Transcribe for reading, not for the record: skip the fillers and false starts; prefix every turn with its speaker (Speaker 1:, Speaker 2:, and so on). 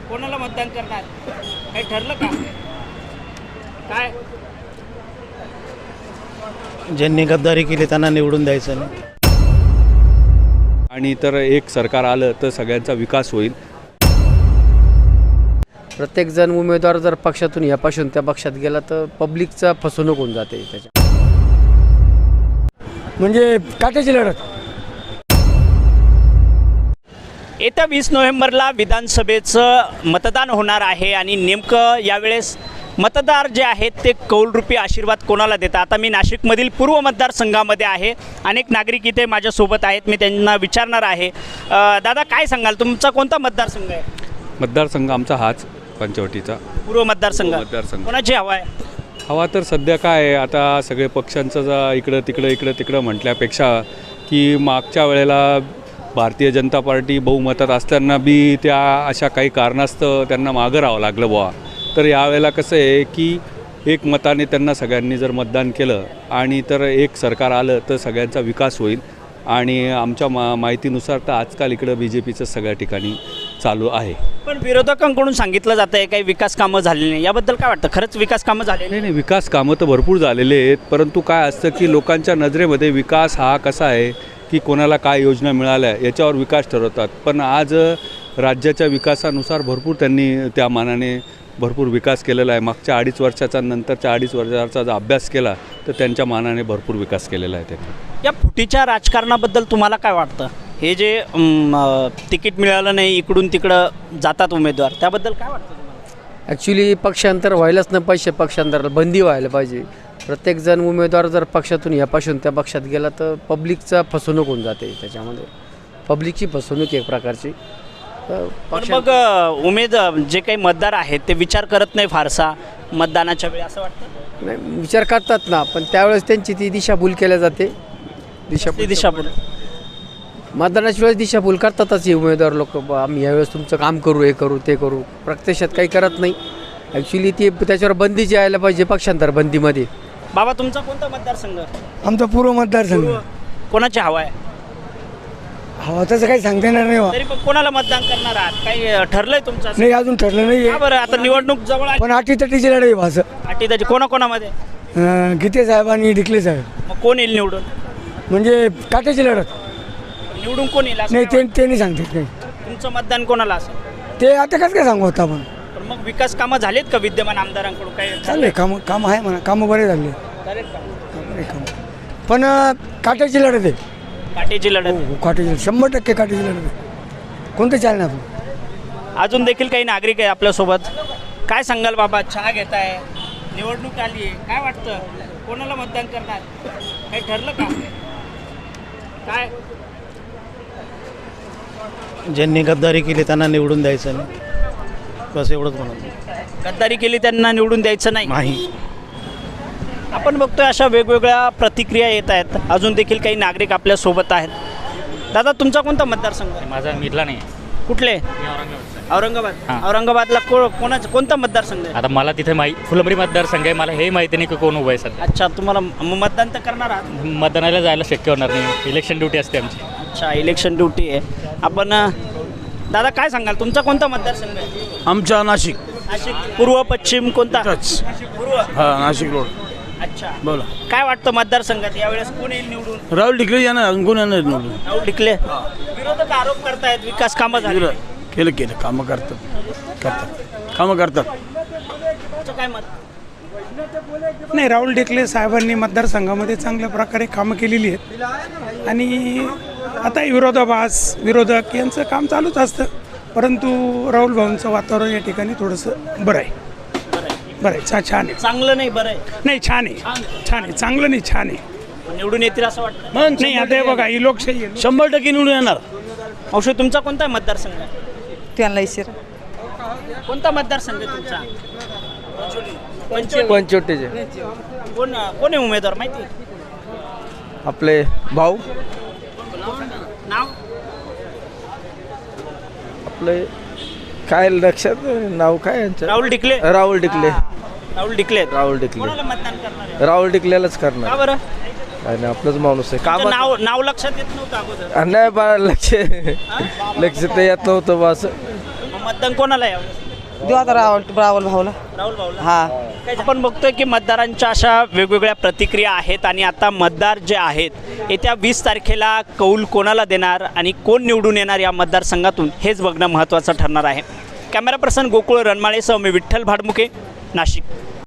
Speaker 1: कोणाला मतदान करणार काही ठरलं का? काय
Speaker 2: ज्यांनी गद्दारी केली त्यांना निवडून द्यायचं नाही.
Speaker 3: आणि तर एक सरकार आलं तर सगळ्यांचा विकास होईल.
Speaker 4: प्रत्येकजण उमेदवार जर पक्षातून यापासून त्या पक्षात गेला तर पब्लिकचा फसवणूक होऊन जाते त्याच्या.
Speaker 5: म्हणजे काट्याची लढत.
Speaker 1: येत्या 20 नोव्हेंबरला विधानसभेचं मतदान होणार आहे आणि नेमकं यावेळेस मतदार जे आहेत ते कौलरूपी आशीर्वाद कोणाला देतात. आता मी नाशिकमधील पूर्व मतदारसंघामध्ये आहे. अनेक नागरिक इथे माझ्यासोबत आहेत. मी त्यांना विचारणार आहे, दादा काय सांगाल, तुमचा कोणता मतदारसंघ आहे?
Speaker 3: मतदारसंघ आमचा हाच पंचवटीचा
Speaker 1: पूर्व मतदारसंघ.
Speaker 3: मतदारसंघ.
Speaker 1: कोणाची हवा आहे?
Speaker 3: हवा तर सध्या काय आहे, आता सगळे पक्षांचं इकडं तिकडं म्हटल्यापेक्षा की मागच्या वेळेला भारतीय जनता पार्टी बहुमतात असताना बी त्या अशा काही कारणास्तव त्यांना मागं राहावं लागलं बुवा. तर यावेळेला कसं आहे की एक मताने त्यांना सगळ्यांनी जर मतदान केलं आणि तर एक सरकार आलं तर सगळ्यांचा विकास होईल. आणि आमच्या माहितीनुसार तर आजकाल इकडं BJPचं सगळ्या ठिकाणी चालू आहे.
Speaker 1: पण विरोधकांकडून सांगितलं जातं आहे काही विकास कामं झालेली नाही, याबद्दल काय वाटतं? खरंच विकास कामं झालेली?
Speaker 3: नाही, विकास कामं तर भरपूर झालेले आहेत, परंतु काय असतं की लोकांच्या नजरेमध्ये विकास हा कसा आहे की कोणाला काय योजना मिळाल्या याच्यावर विकास ठरवतात. पण आज राज्याच्या विकासानुसार भरपूर त्यांनी त्या मानाने भरपूर विकास केलेला आहे. मागच्या 2.5 वर्षाचा नंतरच्या 2.5 वर्षाचा जर अभ्यास केला तर त्यांच्या मानाने भरपूर विकास केलेला आहे त्यांनी.
Speaker 1: या फुटीच्या राजकारणाबद्दल तुम्हाला काय वाटतं? हे जे तिकीट मिळालं नाही, इकडून तिकडं जातात उमेदवार, त्याबद्दल काय वाटतं तुम्हाला?
Speaker 4: ॲक्च्युली पक्षांतर व्हायलाच नाही पाहिजे, पक्षांतराला बंदी व्हायला पाहिजे. प्रत्येकजण उमेदवार जर पक्षातून यापासून त्या पक्षात गेला तर पब्लिकचा फसवणूक होऊन जाते त्याच्यामध्ये. पब्लिकची फसवणूक एक प्रकारची.
Speaker 1: पण मग जे काही मतदार आहेत ते विचार करत नाही फारसा मतदानाच्या वेळी, असं वाटतं?
Speaker 4: नाही, विचार करतात ना, पण त्यावेळेस त्यांची ती दिशाभूल केल्या जाते.
Speaker 1: दिशाभूल
Speaker 4: मतदानाच्या वेळेस दिशाभूल करतातच हे उमेदवार लोक. आम्ही यावेळेस तुमचं काम करू, हे करू ते करू, प्रत्यक्षात काही करत नाही. ॲक्च्युली ती त्याच्यावर बंदी जी यायला पाहिजे, पक्षांतर बंदीमध्ये.
Speaker 1: बाबा तुमचा कोणता मतदारसंघ?
Speaker 5: आमचा पूर्व मतदारसंघ.
Speaker 1: कोणाची हवा आहे?
Speaker 5: हवा तसं काही सांगता येणार नाही.
Speaker 1: तरी पण कोणाला मतदान करणार आहात? काही ठरलंय तुमचं?
Speaker 5: नाही, अजून ठरलं नाही.
Speaker 1: का बरं? आता निवडणूक जवळ आली.
Speaker 5: पण अटीतटीची लढाई भासं.
Speaker 1: अटीतटी कोणाकोणामध्ये?
Speaker 5: गीते साहेब आणि डिकले साहेब.
Speaker 1: मग कोण येईल निवडून?
Speaker 5: म्हणजे काट्याची लढत.
Speaker 1: निवडून कोण येईल असं
Speaker 5: नाही,
Speaker 1: काय
Speaker 5: ते नाही सांगते नाही.
Speaker 1: वाटतं? तुमचं मतदान कोणाला असेल?
Speaker 5: ते आता कसं काय सांगू होता आपण.
Speaker 1: पण मग विकास कामं झालेत का विद्यमान आमदारांकडून? काही
Speaker 5: चालले काम आहे म्हणा, कामं बरे झाले.
Speaker 1: झालेत का?
Speaker 5: बरे काम. पण काट्याची लढत आहे.
Speaker 1: काटेची लढत.
Speaker 5: हो, काट्याची 100% काट्याची लढत आहे. कोणतं चालणार आपण.
Speaker 1: अजून देखील काही नागरिक आहे आपल्यासोबत. काय सांगाल बाबा, चहा घेताय, निवडणूक आली आहे, काय वाटतं कोणाला मतदान करणार काही ठरलं का? काय
Speaker 2: ज्यांनी गद्दारी केली त्यांना निवडून द्यायचं नाही, बस एवढंच म्हणत.
Speaker 1: गद्दारी केली त्यांना निवडून द्यायचं नाही. आपण बघतोय अशा वेगवेगळ्या प्रतिक्रिया येत आहेत. अजून देखील काही नागरिक आपल्यासोबत आहेत. दादा तुमचा कोणता मतदारसंघ आहे?
Speaker 6: माझा मिळला नाही.
Speaker 1: कुठले? औरंगाबाद. औरंगाबादला कोणता मतदारसंघ आहे?
Speaker 6: आता मला तिथे फुलंब्री मतदारसंघ आहे, मला हे माहिती नाही की कोण उभं आहे सध्या.
Speaker 1: अच्छा, तुम्हाला मतदान तर करणार आहात?
Speaker 6: मतदानाला जायला शक्य होणार नाही, इलेक्शन ड्युटी असते आमची.
Speaker 1: अच्छा, इलेक्शन ड्युटी आहे. आपण दादा काय सांगाल, तुमचा कोणता मतदारसंघ आहे?
Speaker 2: आमच्या नाशिक.
Speaker 1: नाशिक पूर्व पश्चिम कोणता? पूर्व.
Speaker 2: हां, नाशिक रोड.
Speaker 1: अच्छा,
Speaker 2: बोला.
Speaker 1: काय वाटतं मतदारसंघात यावेळेस कोण येईल निवडून?
Speaker 2: राहुल ढिकले यांना अजून कोण येणार निवडून.
Speaker 1: राहुल ढिकले. विरोधक आरोप करतायत विकास कामं झाली.
Speaker 2: केलं कामं करतात.
Speaker 1: तुमचं काय मत?
Speaker 7: नाही, राहुल ढिकले साहेबांनी मतदारसंघामध्ये चांगल्या प्रकारे कामं केलेली आहेत. आणि आता विरोधक यांचं काम चालूच असतं, परंतु राहुल भाऊंचं वातावरण या ठिकाणी थोडंसं बरं आहे. छान आहे.
Speaker 1: चांगलं नाही, बरं आहे.
Speaker 7: नाही, छान आहे. चांगलं नाही, छान आहे.
Speaker 1: निवडून येतील असं वाटतं?
Speaker 7: नाही, आता हे बघा, ही लोकशाही आहे.
Speaker 2: 100% निवडून येणार.
Speaker 1: औषध तुमचा कोणता मतदारसंघ आहे?
Speaker 8: त्यांना इशारा.
Speaker 1: कोणता मतदारसंघ आहे तुमचा?
Speaker 4: पंचवटीचे
Speaker 1: कोण आहे उमेदवार माहिती?
Speaker 4: आपले भाऊ
Speaker 1: नाव
Speaker 4: आपले काय लक्षात नाव काय यांचं.
Speaker 1: राहुल ढिकले.
Speaker 4: राहुल ढिकले.
Speaker 1: कोणाला मतदान करणार आहे?
Speaker 4: राहुल ढिकलेलाच
Speaker 1: का
Speaker 4: करणार.
Speaker 1: बरं?
Speaker 4: आणि आपलंच माणूस आहे.
Speaker 1: तुमचं नाव लक्षात येत नव्हतं अगोदर?
Speaker 4: नाही बा, लक्ष तर येत नव्हतं बा असं.
Speaker 1: मतदान कोणाला यावं?
Speaker 8: देऊ आता राहुल भाऊला.
Speaker 1: राहुल भाऊला.
Speaker 8: हा
Speaker 1: आपण बघतोय की मतदारांच्या अशा वेगवेगळ्या प्रतिक्रिया आहेत आणि आता मतदार जे आहेत येत्या 20 तारखेला कौल कोणाला देणार आणि कोण निवडून येणार या मतदारसंघातून हेच बघणं महत्त्वाचं ठरणार आहे. कॅमेरा पर्सन गोकुळ रणमाळेसह मी विठ्ठल भाडमुके, नाशिक.